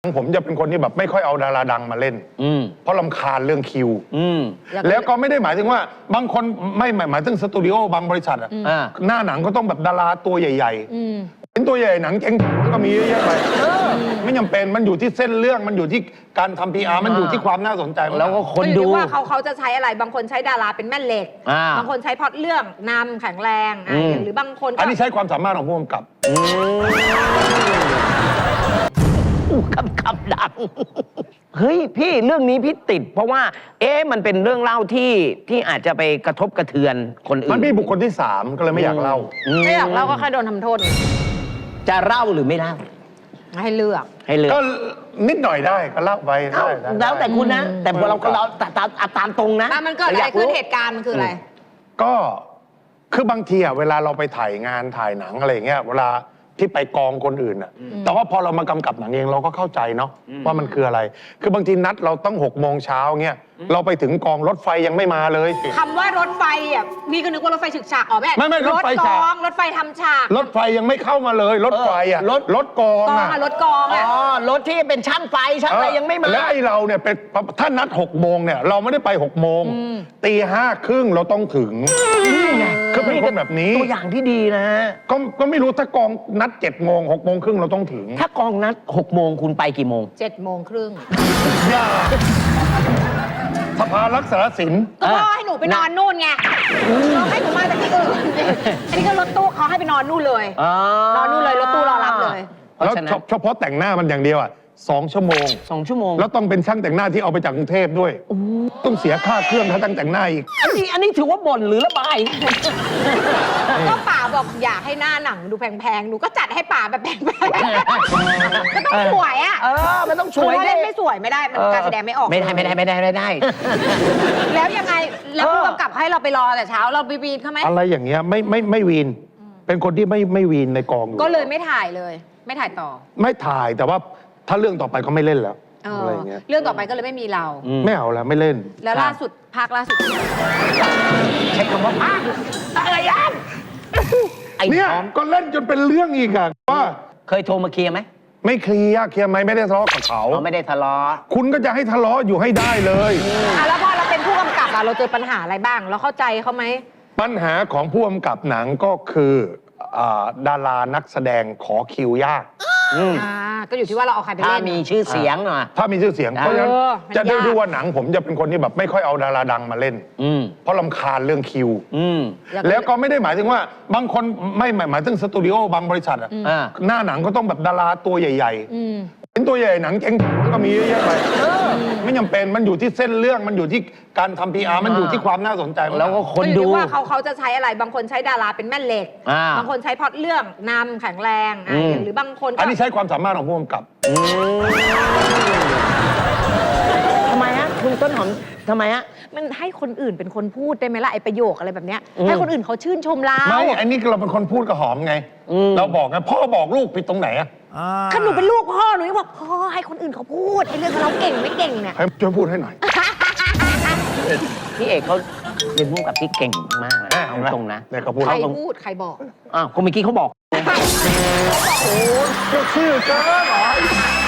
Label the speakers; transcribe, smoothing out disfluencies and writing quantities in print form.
Speaker 1: ผมจะเป็นคนที่แบบไม่ค่อยเอาดาราดังมาเล่นเพราะรำคาญเรื่องคิวแล้วก็ไม่ได้หมายถึงว่าบางคนไม่หมายถึงสตูดิโอบางบริษัทอะหน้าหนังก็ต้องแบบดาราตัวใหญ่ๆเป็นตัวใหญ่หนังเจ๊งก็มีเยอะแยะไปไม่จำเป็นมันอยู่ที่เส้นเรื่องมันอยู่ที่การทำ PR มันอยู่ที่ความน่าสนใจ
Speaker 2: แล้วก็คนดู
Speaker 3: ว่าเขาจะใช้อะไรบางคนใช้ดาราเป็นแม่เหล็กบางคนใช้พล็อตเรื่องนำแข็งแรงหรือบางคน
Speaker 1: อันนี้ใช้ความสามารถของผู้กำกับ
Speaker 2: คำดังเฮ้ยพี่เรื่องนี้พี่ติดเพราะว่ามันเป็นเรื่องเล่าที่อาจจะไปกระทบกระเทือนคนอื่น
Speaker 1: มันมีบุคคลที่3ก็เลยไม่อยากเล่า
Speaker 3: ไม่อยากเล่าก็แค่โดนทำโทษ
Speaker 2: จะเล่าหรือไม่เล่า
Speaker 3: ให้เลือก
Speaker 1: ก็นิดหน่อยได้ก็เล่าไปได้
Speaker 2: แล้วแต่คุณนะแต่พอเราก็เล่าตามตรงนะ
Speaker 3: มันเกิดอะไรขึ้นเหตุการณ์มันคืออะไร
Speaker 1: ก็คือบางทีเวลาเราไปถ่ายงานถ่ายหนังอะไรเงี้ยเวลาที่ไปกองคนอื่นแต่ว่าพอเรามากำกับหนังเองเราก็เข้าใจเนาะว่ามันคืออะไรคือบางทีนัดเราต้อง6 โมงเช้าเงี้ยเราไปถึงกองรถไฟยังไม่มาเลย
Speaker 3: คำว่ารถไฟนี่ก็นึกว่ารถไฟฉึกฉาก
Speaker 1: ไม่รถไฟฉาก
Speaker 3: รถไฟทำฉาก
Speaker 1: รถไฟยังไม่เข้ามาเลยรถไฟรถกอง
Speaker 3: รถกอง
Speaker 2: รถที่เป็นช่างไฟช่างอะไรยังไม่มา
Speaker 1: แล้วไอ้เราเนี่ยเป็นถ้านัด6 โมงเนี่ยเราไม่ได้ไป6 โมงตี5:30เราต้องถึงคือเป็นคนแบบนี้
Speaker 2: ตัวอย่างที่ดีนะ
Speaker 1: ก็ไม่รู้ถ้ากองนัด7 โมง6 โมงครึ่งเราต้องถึง
Speaker 2: ถ้ากองนัด6 โมงคุณไปกี่โมง
Speaker 3: 7:30
Speaker 1: สภารักษาศิลป์
Speaker 3: ก็พ่อให้หนูไปนอนนู่นไงให้หนูมาจากที่อื่นอันนี้ก็รถตู้เขาให้ไปนอนนู่นเลยนอนนู่นเลยรถตู้รอรับเลย
Speaker 1: แล้วเฉพาะแต่งหน้ามันอย่างเดียว2 ชั่วโมง
Speaker 2: 2 ชั่วโมง
Speaker 1: แล้วต้องเป็นช่างแต่งหน้าที่เอาไปจากกรุงเทพด้วยต้องเสียค่าเครื่องค่าตั้งแต่งหน้าอีก
Speaker 2: อันนี้ถือว่าบ่นหรือระบาย
Speaker 3: ก็ป๋าบอกอยากให้หน้าหนังดูแพงๆหนูก็จัดให้ป๋าแบบแพงๆก็ต้องสวย
Speaker 2: มันต้องสวย
Speaker 3: เล่นไม่สวยไม่ได้มันการแสดงไม่ออก
Speaker 2: ไม่ได้
Speaker 3: แล้วยังไงแล้วผู้กำกับให้เราไปรอแต่เช้าเราวีนเขาไหม
Speaker 1: อะไรอย่างเงี้ยไม่วีนเป็นคนที่ไม่วีนในกอง
Speaker 3: ก็เลยไม่ถ่ายเลยไม่ถ่ายต่อ
Speaker 1: ไม่ถ่ายแต่ว่าถ้าเรื่องต่อไปก็ไม่เล่นแล้วอะไรเงี้ย
Speaker 3: เรื่องต่อไปก็เลยไม่มีเรา
Speaker 1: ไม่เอาแล้วไม่เล่น
Speaker 3: แล้วล่าสุดภาคล่าสุด
Speaker 2: ใช้คำว่าภาคอะไรยัน
Speaker 1: เนี่ยก็เล่นจนเป็นเรื่องอีกอะว่า
Speaker 2: เคยโทรมาเคลียร์ไหม
Speaker 1: ไม่เคลียร์ไหมไม่ได้ทะเลาะกับเขา
Speaker 2: ไม่ได้ทะเลาะ
Speaker 1: คุณก็จะให้ทะเลาะอยู่ให้ได้เลย
Speaker 3: แล้วพอเราเป็นผู้กำกับเราเจอปัญหาอะไรบ้างเราเข้าใจเขาไหม
Speaker 1: ปัญหาของผู้กำกับหนังก็คือดารานักแสดงขอคิวยาก
Speaker 3: ก็อยู่ที่ว่าเราเอาใครไปเล่น
Speaker 2: ถ้ามีชื่อเสียง
Speaker 1: ถ้ามีชื่อเสียงเพราะฉะนั้นจะได้ดูว่าหนังผมจะเป็นคนที่แบบไม่ค่อยเอาดาราดังมาเล่นเพราะรำคาญเรื่องคิวแล้วก็ไม่ได้หมายถึงว่าบางคนไม่หมายถึงสตูดิโอบางบริษัทอะหน้าหนังก็ต้องแบบดาราตัวใหญ่ๆเป็นตัวใหญ่หนังเจ๊งก็มีเยอะแยะไปไม่จำเป็นมันอยู่ที่เส้นเรื่องมันอยู่ที่การทำ PR มันอยู่ที่ความน่าสนใจ
Speaker 2: แล้วก็คนดู
Speaker 3: ว่าเขาจะใช้อะไรบางคนใช้ดาราเป็นแม่เหล็กบางคนใช้พล็อตเรื่องนำแข็งแรงหรือบางคน
Speaker 1: อันนี้ใช้ความสามารถของผู้กำกับ
Speaker 2: ทำไมคุณต้นหอมทำไม
Speaker 3: มันให้คนอื่นเป็นคนพูดได้ไหมล่ะไอ้ประโยคอะไรแบบเนี้ยให้คนอื่นเขาชื่นชมเรา
Speaker 1: ไม่อันนี้เราเป็นคนพูดกับหอมไงเราบอกไงพ่อบอกลูกผิดตรงไหน
Speaker 3: ถ้าหนูเป็นลูกพ่อหนูจะบอกพ่อให้คนอื่นเขาพูดไอ้เรื่องเราเก่งไม่เก่งเนี่ย
Speaker 1: ช่วยพูดให้หน่อย
Speaker 2: พี่เอกเขาเป็นผู้กับที่เก่งมากนะเอาตรงนะ
Speaker 3: ใครพูดใครบอก
Speaker 2: คนเมื่อกี้เขาบอก
Speaker 1: โอ้โหชื่อเกินเหรอ